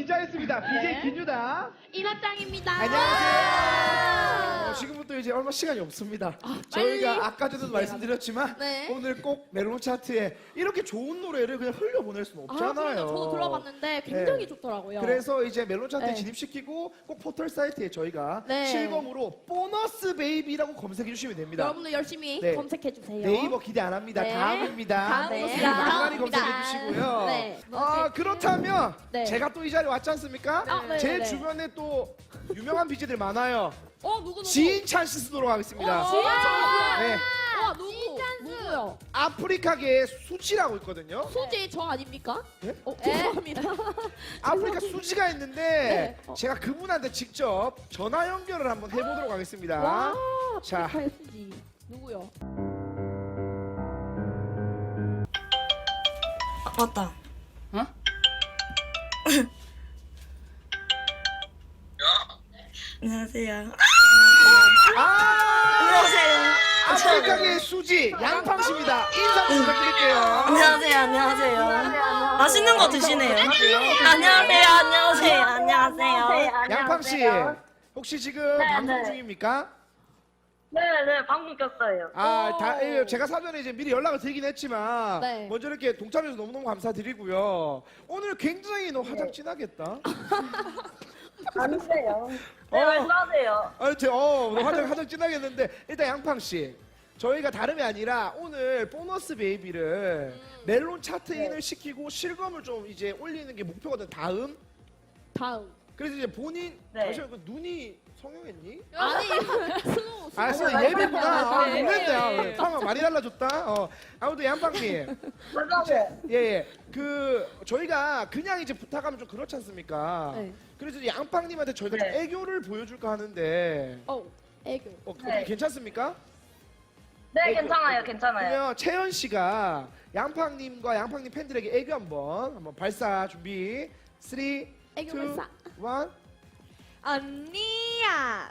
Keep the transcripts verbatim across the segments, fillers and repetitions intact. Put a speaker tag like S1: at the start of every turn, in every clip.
S1: 기자였습니다. 비제이 김유다.
S2: 이나짱입니다.
S1: 안녕하세요. 어, 지금부터 이제 얼마 시간이 없습니다.
S2: 아,
S1: 저희가
S2: 빨리.
S1: 아까 전에도 말씀드렸지만
S2: 네.
S1: 오늘 꼭 멜론 차트에 이렇게 좋은 노래를 그냥 흘려보낼 수는
S2: 아,
S1: 없잖아요.
S2: 그럼요. 저도 들어봤는데 굉장히
S1: 네.
S2: 좋더라고요.
S1: 그래서 이제 멜론 차트에
S2: 네.
S1: 진입시키고 꼭 포털 사이트에 저희가
S2: 네.
S1: 실검으로 보너스 베이비라고 검색해 주시면 됩니다.
S2: 여러분들 열심히
S1: 네.
S2: 검색해 주세요.
S1: 네이버 기대 안 합니다.
S2: 네.
S1: 다음입니다.
S2: 다음입니다.
S1: 많이 많이
S2: 다음입니다.
S1: 검색해 주시고요.
S2: 네.
S1: 아, 그렇다면
S2: 네.
S1: 제가 또 이 자리에 왔지 않습니까?
S2: 아, 네,
S1: 제
S2: 네.
S1: 주변에 또 유명한 비제들 많아요.
S2: 어 누구 누구?
S1: 지인찬 씨 쓰도록 하겠습니다.
S2: 어, 지인찬.
S1: 네.
S2: 와 누구? 누구요?
S1: 아프리카계의 수지라고 있거든요.
S2: 수지 저 아닙니까?
S1: 네?
S2: 어 죄송합니다.
S1: 아프리카 수지가 있는데
S2: 네. 어.
S1: 제가 그분한테 직접 전화 연결을 한번 해보도록 하겠습니다.
S2: 와.
S1: 자.
S2: 아프리카의 수지 누구요?
S3: 아, 맞다.
S4: 어?
S3: 안녕하세요.
S1: 아!
S3: 안녕하세요.
S1: 아프리카계의 수지 양팡 씨입니다. 인사 좀 부탁드릴게요.
S3: 안녕하세요. 안녕하세요. 맛있는 거 드시네요. 안녕하세요. 안녕하세요. 안녕하세요.
S1: 양팡 씨 혹시 지금
S5: 네,
S1: 방송
S5: 네.
S1: 중입니까?
S5: 네네 방금 꼈어요.
S1: 아,
S2: 오.
S1: 다, 예, 제가 사전에 이제 미리 연락을 드리긴 했지만
S2: 네.
S1: 먼저 이렇게 동참해서 너무너무 감사드리고요. 오늘 굉장히 너 화장 진하겠다.
S5: 아니세요. 네
S1: 어.
S5: 말씀하세요.
S1: 아, 제, 어, 너 화장 화장 진하겠는데 일단 양팡 씨, 저희가 다름이 아니라 오늘 보너스 베이비를 멜론 차트인을
S5: 네.
S1: 시키고 실검을 좀 이제 올리는 게 목표거든. 다음.
S2: 다음.
S1: 그래서 이제 본인
S5: 네.
S1: 잠시만 그 눈이 성형했니?
S2: 아니 스노우.
S1: 아, 써
S5: 아니,
S1: 예비구나. 아,
S2: 네.
S1: 놀랬네. 아,
S2: 네.
S1: 상황 많이 달라졌다. 어. 아무튼 양팡님.
S5: 맞아요.
S1: 예, 예. 그 저희가 그냥 이제 부탁하면 좀 그렇지 않습니까?
S2: 네.
S1: 그래서 이제 양팡님한테 저희가
S5: 네.
S1: 좀 애교를 보여줄까 하는데
S2: 어 애교.
S1: 어,
S5: 네.
S1: 어떻게 괜찮습니까?
S5: 네
S1: 애교,
S5: 괜찮아요
S1: 애교.
S5: 괜찮아요.
S1: 그러면 채연 씨가 양팡님과 양팡님 팬들에게 애교 한번 한번 발사 준비. 삼, 이,
S2: 애교 발사.
S1: 일.
S2: 언니야.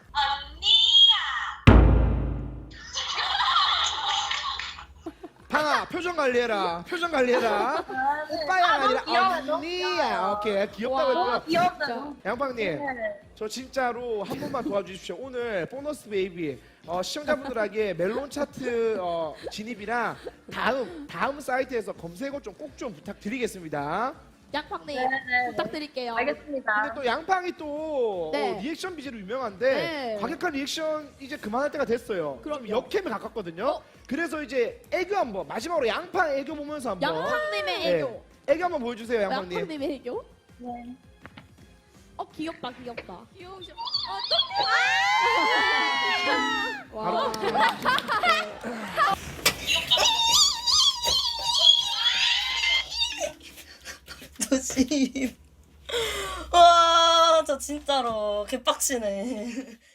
S1: 방아 표정 관리해라. 표정 관리해라. 오빠야 아니라
S5: 귀여워,
S1: 언니야. 오케이 귀엽다고
S2: 와.
S1: 했고요.
S5: 귀엽다.
S1: 양팡님.
S5: 네.
S1: 저 진짜로 한 번만 도와주십시오. 오늘 보너스 베이비 어, 시청자분들에게 멜론 차트 어, 진입이랑 다음 다음 사이트에서 검색어 좀 꼭 좀 부탁드리겠습니다.
S2: 양팡님
S5: 네네.
S2: 부탁드릴게요.
S5: 알겠습니다.
S1: 근데 또 양팡이 또
S2: 네.
S1: 어, 리액션 비즈로 유명한데
S2: 네.
S1: 과격한 리액션 이제 그만할 때가 됐어요. 좀
S2: 그럼요.
S1: 역캠에 가깝거든요.
S2: 어?
S1: 그래서 이제 애교 한번 마지막으로 양팡 애교 보면서 한번
S2: 양팡님의
S1: 네.
S2: 애교.
S1: 애교 한번 보여주세요, 양팡님.
S2: 양팡님의 애교.
S5: 네.
S2: 어 귀엽다 귀엽다. 귀여우셔. 어,
S1: 바로
S2: 와.
S3: 도심. 와, 저 진짜로 개빡치네.